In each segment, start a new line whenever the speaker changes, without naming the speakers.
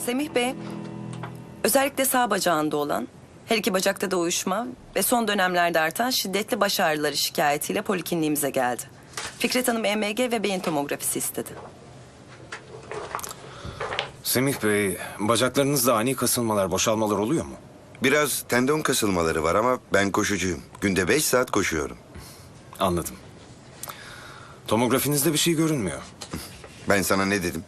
Semih Bey, özellikle sağ bacağında olan, her iki bacakta da uyuşma ve son dönemlerde artan şiddetli baş ağrıları şikayetiyle polikliniğimize geldi. Fikret Hanım EMG ve beyin tomografisi istedi.
Semih Bey, bacaklarınızda ani kasılmalar, boşalmalar oluyor mu?
Biraz tendon kasılmaları var ama ben koşucuyum. Günde 5 saat koşuyorum.
Anladım. Tomografinizde bir şey görünmüyor.
Ben sana ne dedim?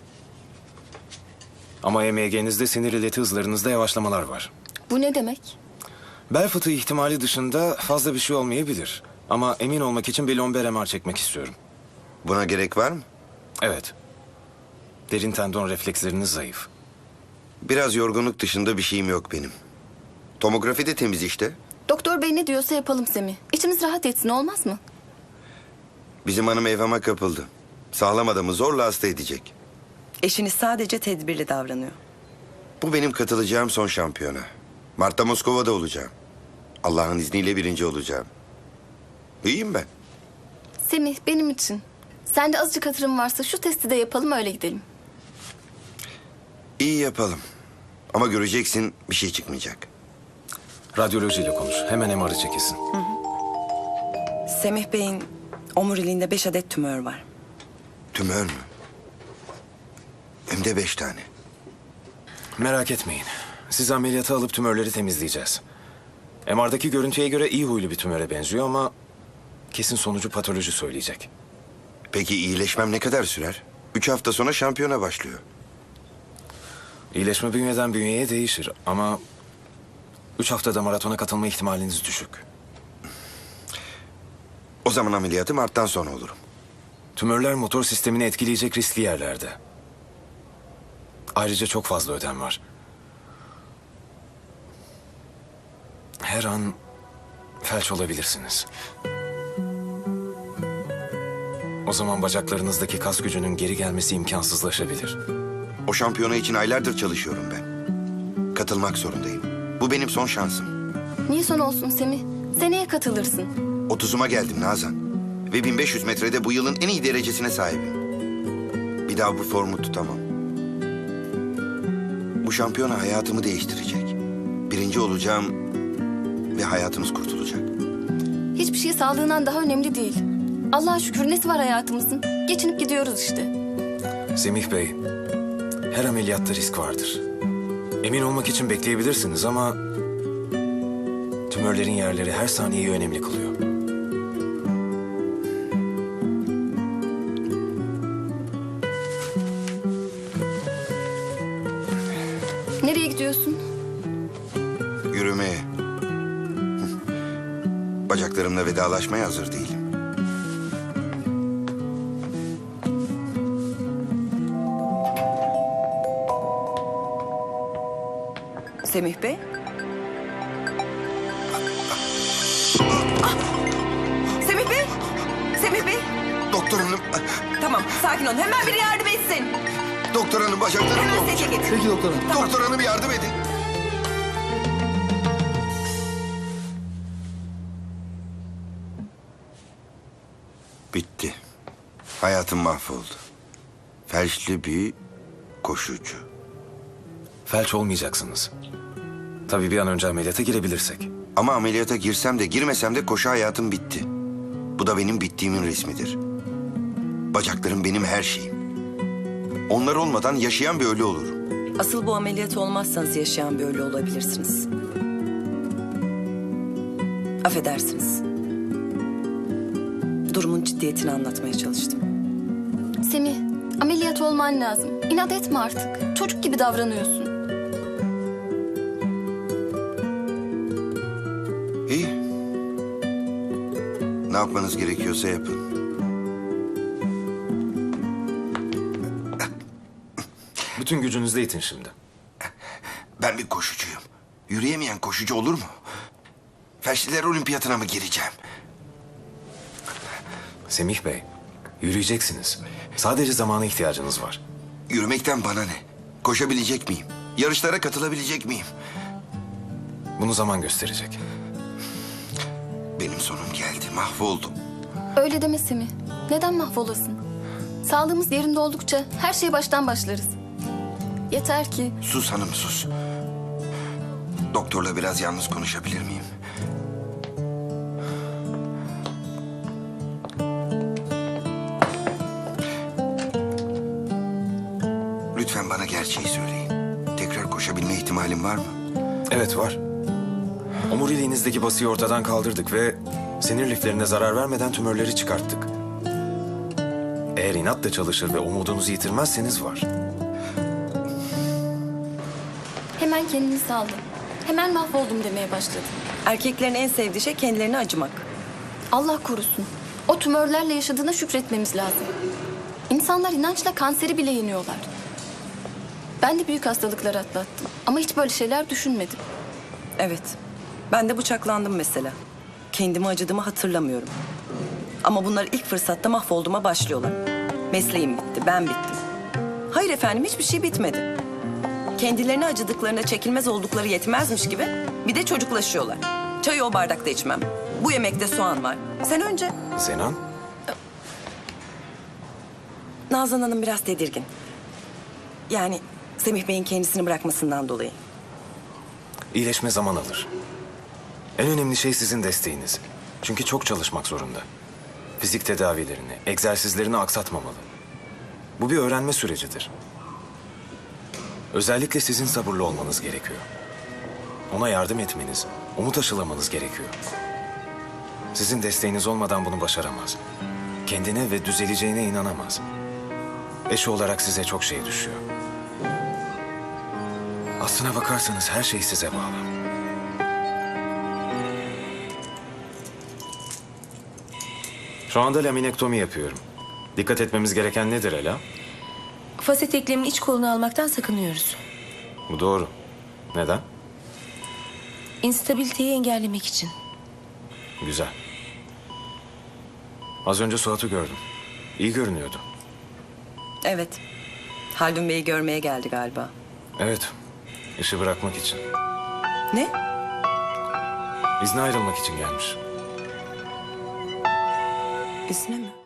Ama EMG'nizde sinir ileti hızlarınızda yavaşlamalar var.
Bu ne demek?
Bel fıtığı ihtimali dışında fazla bir şey olmayabilir. Ama emin olmak için bir lomber MR çekmek istiyorum.
Buna gerek var mı?
Evet. Derin tendon refleksleriniz zayıf.
Biraz yorgunluk dışında bir şeyim yok benim. Tomografi de temiz işte.
Doktor bey ne diyorsa yapalım Semih. İçimiz rahat etsin, olmaz mı?
Bizim hanım evhama kapıldı. Sağlam adamı zorla hasta edecek.
Eşiniz sadece tedbirli davranıyor.
Bu benim katılacağım son şampiyona. Mart'ta Moskova'da olacağım. Allah'ın izniyle 1. olacağım. İyiyim ben.
Semih, benim için. Sende azıcık hatırım varsa şu testi de yapalım, öyle gidelim.
İyi yapalım. Ama göreceksin, bir şey çıkmayacak.
Radyolojiyle konuş. Hemen MR'ı çekilsin.
Semih Bey'in omuriliğinde 5 adet tümör var.
Tümör mü? Hem de 5 tane.
Merak etmeyin. Sizi ameliyata alıp tümörleri temizleyeceğiz. MR'daki görüntüye göre iyi huylu bir tümöre benziyor ama kesin sonucu patoloji söyleyecek.
Peki iyileşmem ne kadar sürer? 3 hafta sonra şampiyona başlıyor.
İyileşme bünyeden bünyeye değişir ama 3 haftada maratona katılma ihtimaliniz düşük.
O zaman ameliyatı Mart'tan sonra olurum.
Tümörler motor sistemini etkileyecek riskli yerlerde. Ayrıca çok fazla ödem var. Her an felç olabilirsiniz. O zaman bacaklarınızdaki kas gücünün geri gelmesi imkansızlaşabilir.
O şampiyona için aylardır çalışıyorum ben. Katılmak zorundayım. Bu benim son şansım.
Niye son olsun Semih? Seneye katılırsın.
30'uma geldim Nazan. Ve 1500 metrede bu yılın en iyi derecesine sahibim. Bir daha bu formu tutamam. Bu şampiyona hayatımı değiştirecek. 1. olacağım ve hayatımız kurtulacak.
Hiçbir şey sağlığından daha önemli değil. Allah'a şükür nesi var hayatımızın? Geçinip gidiyoruz işte.
Semih Bey, her ameliyatta risk vardır. Emin olmak için bekleyebilirsiniz ama tümörlerin yerleri her saniyeyi önemli kılıyor.
Nereye gidiyorsun?
Yürümeye. Bacaklarımla vedalaşmaya hazır değilim.
Semih Bey? Semih Bey! Semih Bey!
Doktor hanım,
Tamam, sakin olun. Hemen biri yardım etsin.
doktor hanım bacaklarım
Hemen
olmuş.
sete getir.
Peki doktorum.
Tamam.
Doktor hanım yardım edin. Bitti. Hayatım mahvoldu. Felçli bir koşucu.
Felç olmayacaksınız. Tabii bir an önce ameliyata girebilirsek.
Ama ameliyata girsem de girmesem de koşu hayatım bitti. Bu da benim bittiğimin resmidir. Bacaklarım benim her şeyim. Onlar olmadan yaşayan bir ölü olurum.
Asıl bu ameliyat olmazsanız yaşayan bir ölü olabilirsiniz. Affedersiniz. Durumun ciddiyetini anlatmaya çalıştım.
Semih, ameliyat olman lazım. İnat etme artık. Çocuk gibi davranıyorsun.
İyi. Ne yapmanız gerekiyorsa yapın.
Bütün gücünüzle itin şimdi.
Ben bir koşucuyum. Yürüyemeyen koşucu olur mu? Felçliler olimpiyatına mı gireceğim?
Semih Bey, yürüyeceksiniz. Sadece zamana ihtiyacınız var.
Yürümekten bana ne? Koşabilecek miyim? Yarışlara katılabilecek miyim?
Bunu zaman gösterecek.
Benim sonum geldi, mahvoldum.
Öyle deme Semih. Neden mahvolasın? Sağlığımız yerinde oldukça her şeye baştan başlarız. Yeter ki
Sus hanım sus. Doktorla biraz yalnız konuşabilir miyim? Lütfen bana gerçeği söyleyin. Tekrar koşabilme ihtimalim var mı?
Evet var. Omuriliğinizdeki basıyı ortadan kaldırdık ve sinir liflerine zarar vermeden tümörleri çıkarttık. Eğer inatla çalışır ve umudunuzu yitirmezseniz var.
hemen kendini saldı. Hemen mahvoldum demeye başladı.
Erkeklerin en sevdiği şey kendilerine acımak.
Allah korusun. O tümörlerle yaşadığına şükretmemiz lazım. İnsanlar inançla kanseri bile yeniyorlar. Ben de büyük hastalıklar atlattım. Ama hiç böyle şeyler düşünmedim.
Evet. Ben de bıçaklandım mesela. Kendime acıdığımı hatırlamıyorum. Ama bunlar ilk fırsatta mahvolduğuma başlıyorlar. Mesleğim bitti, ben bittim. Hayır efendim, hiçbir şey bitmedi. Kendilerine acıdıklarına çekilmez oldukları yetmezmiş gibi bir de çocuklaşıyorlar. Çayı o bardakta içmem. Bu yemekte soğan var. Sen önce...
Zenan,
Nazan Hanım biraz tedirgin. Yani Semih Bey'in kendisini bırakmasından dolayı.
iyileşme zaman alır. En önemli şey sizin desteğiniz. Çünkü çok çalışmak zorunda. Fizik tedavilerini, egzersizlerini aksatmamalı. Bu bir öğrenme sürecidir. Özellikle sizin sabırlı olmanız gerekiyor. Ona yardım etmeniz, umut aşılamanız gerekiyor. Sizin desteğiniz olmadan bunu başaramaz. Kendine ve düzeleceğine inanamaz. Eşi olarak size çok şey düşüyor. Aslına bakarsanız her şey size bağlı. Şu anda laminektomi yapıyorum. Dikkat etmemiz gereken nedir Ela?
Faset eklemin iç kolunu almaktan sakınıyoruz.
Bu doğru. Neden?
İnstabiliteyi engellemek için.
Güzel. Az önce Suat'ı gördüm. İyi görünüyordu.
Evet. Haldun Bey'i görmeye geldi galiba.
Evet. İşi bırakmak için.
Ne?
İzne ayrılmak için gelmiş.
İzne mi?